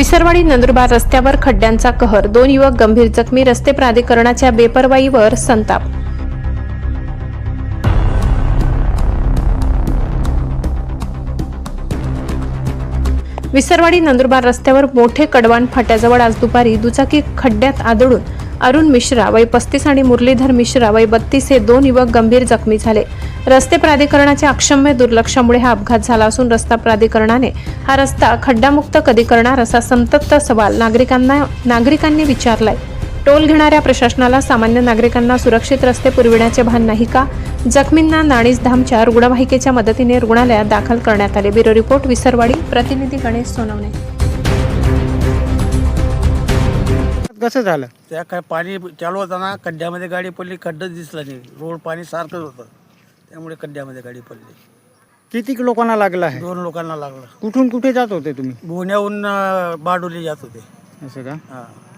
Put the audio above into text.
विसरवाडी नंदुरबार रस्त्यावर खड्ड्यांचा कहर, 2 युवक गंभीर जखमी, रस्ते प्राधिकरणाच्या बेपर्वाईवर संताप। विसरवाडी नंदुरबार रस्त्यावर मोठे कडवान फाट्याजवळ आज दुपारी दुचाकी खड्ड्यात आदळून अरुण मिश्रा वय 35 आणि मुरलीधर मिश्रा वय 32 हे 2 युवक गंभीर जखमी झाले। रस्ते प्राधिकरणाच्या अक्षम्य दुर्लक्षामुळे हा अपघात झाला असून रस्ता प्राधिकरणाने हा रस्ता खड्डामुक्त कधी करणार असा संतप्त सवाल नागरिकांनी विचारलाय। टोल घेणाऱ्या प्रशासनाला सामान्य नागरिकांना सुरक्षित रस्ते पुरविण्याचे भान नाही का? जखमींना नाणीजधामच्या रुग्णवाहिकेच्या मदतीने रुग्णालयात दाखल करण्यात आले। Bureau report, Visarwadi. प्रतिनिधी गणेश सोनवणे। कसं झालं? त्या काय पाणी चालू होताना खड्ड्यामध्ये गाडी पडली, खड्डा दिसला नाही, रोड पाणी सारखंच होतं, त्यामुळे खड्ड्यामध्ये गाडी पडली। किती लोकांना लागलं आहे? 2 लोकांना लागलं। कुठून कुठे जात होते तुम्ही? पुण्याहून बारडोली जात होते। असं का? हां।